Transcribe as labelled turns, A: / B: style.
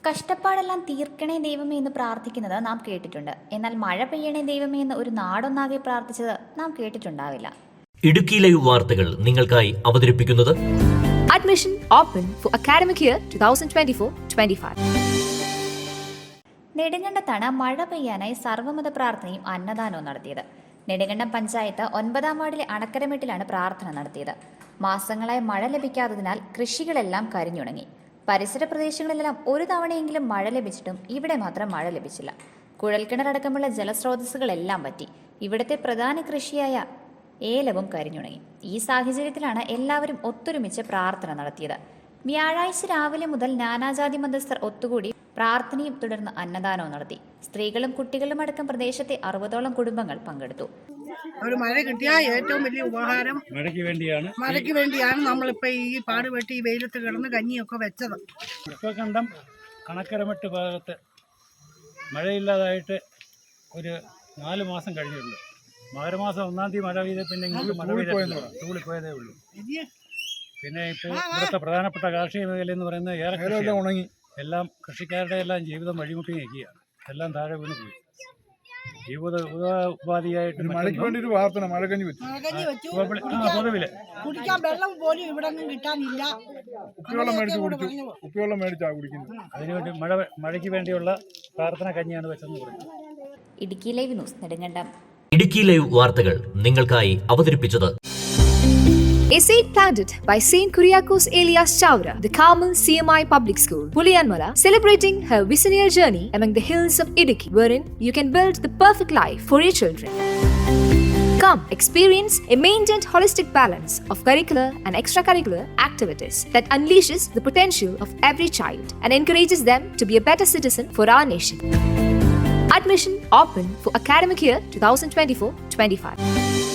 A: കഷ്ടപ്പാടെല്ലാം തീർക്കണേ ദൈവമേ എന്ന് പ്രാർത്ഥിക്കുന്നത് നാം കേട്ടിട്ടുണ്ട്. എന്നാൽ മഴ പെയ്യണേ ദൈവമേ എന്ന് ഒരു നാടൊന്നാകെ പ്രാർത്ഥിച്ചത് നാം കേട്ടിട്ടുണ്ടാവില്ല.
B: ഇടുക്കി ലൈവ് വാർത്തകൾ നിങ്ങൾക്കായി അവതരിപ്പിക്കുന്നത്
C: Admission open for academic year 2024-25.
A: നെടുങ്കണ്ടത്താണ് മഴ പെയ്യാനായി സർവ്വമത പ്രാർത്ഥനയും അന്നദാനവും നടത്തിയത്. നെടുങ്കണ്ടം പഞ്ചായത്ത് 9-ാം വാർഡിലെ അണക്കരമെട്ടിലാണ് പ്രാർത്ഥന നടത്തിയത്. മാസങ്ങളായി മഴ ലഭിക്കാത്തതിനാൽ കൃഷികളെല്ലാം കരിഞ്ഞുണങ്ങി. പരിസര പ്രദേശങ്ങളിലെല്ലാം ഒരു തവണയെങ്കിലും മഴ ലഭിച്ചിട്ടും ഇവിടെ മാത്രം മഴ ലഭിച്ചില്ല. കുഴൽക്കിണറടക്കമുള്ള ജലസ്രോതസ്സുകളെല്ലാം വറ്റി. ഇവിടുത്തെ പ്രധാന കൃഷിയായ ഏലവും കരിഞ്ഞുണങ്ങി. ഈ സാഹചര്യത്തിലാണ് എല്ലാവരും ഒത്തൊരുമിച്ച് പ്രാർത്ഥന നടത്തിയത്. വ്യാഴാഴ്ച രാവിലെ മുതൽ നാനാജാതി മതസ്ഥർ ഒത്തുകൂടി പ്രാർത്ഥനയും തുടർന്ന് അന്നദാനവും നടത്തി. സ്ത്രീകളും കുട്ടികളും അടക്കം പ്രദേശത്തെ 60ഓളം കുടുംബങ്ങൾ പങ്കെടുത്തു.
D: ഒരു മഴ കിട്ടിയാൽ ഏറ്റവും വലിയ ഉപകാരം മഴയ്ക്ക് വേണ്ടിയാണ് നമ്മളിപ്പോൾ ഈ പാടുപെട്ടി ഈ വെയിലത്ത് കിടന്ന് കഞ്ഞിയൊക്കെ വെച്ചത്.
E: കണ്ടം കണക്കരമെട്ട് ഭാഗത്ത് മഴയില്ലാതായിട്ട് ഒരു 4 മാസം കഴിഞ്ഞിട്ടുണ്ട്. മകരമാസം 1-ാം തീയതി മഴ പെയ്ത പിന്നെ തൂളിപ്പോയതേ ഉള്ളൂ. പിന്നെ ഇപ്പോൾ ഇവിടുത്തെ പ്രധാനപ്പെട്ട കാർഷിക മേഖല എന്ന് പറയുന്നത് ഏറെ ഉണങ്ങി. എല്ലാം കൃഷിക്കാരുടെ എല്ലാം ജീവിതം വഴിമുട്ടി നിൽക്കുകയാണ്. എല്ലാം താഴെ വീണ് പോയി. ഉപാധിയായിട്ട്
F: മഴയ്ക്ക് വേണ്ടി ഒരു പ്രാർത്ഥന മഴക്കഞ്ഞി വെച്ചു.
E: പൊതുവില്
D: കുടിക്കാൻ വെള്ളം പോലും ഇവിടെ ഒന്നും കിട്ടാനില്ല.
F: കുപ്പിവെള്ളം മേടിച്ചാ കുടിക്കുന്നത്.
E: അതിനുവേണ്ടി മഴയ്ക്ക് വേണ്ടിയുള്ള പ്രാർത്ഥന കഞ്ഞിയാണ് വെച്ചെന്ന് പറയുന്നത്.
A: Idukki live news Nedumkandam.
B: Idukki live വാർത്തകൾ നിങ്ങൾക്കായി അവതരിപ്പിച്ചത്
C: A seed planted by Saint Kuriakos Elias Chavra, the Carmel CMI Public School, Puliyanmala, celebrating her visionary journey among the hills of Idukki, wherein you can build the perfect life for your children. Come, experience a maintained holistic balance of curricular and extracurricular activities that unleashes the potential of every child and encourages them to be a better citizen for our nation. Admission open for academic year 2024-25.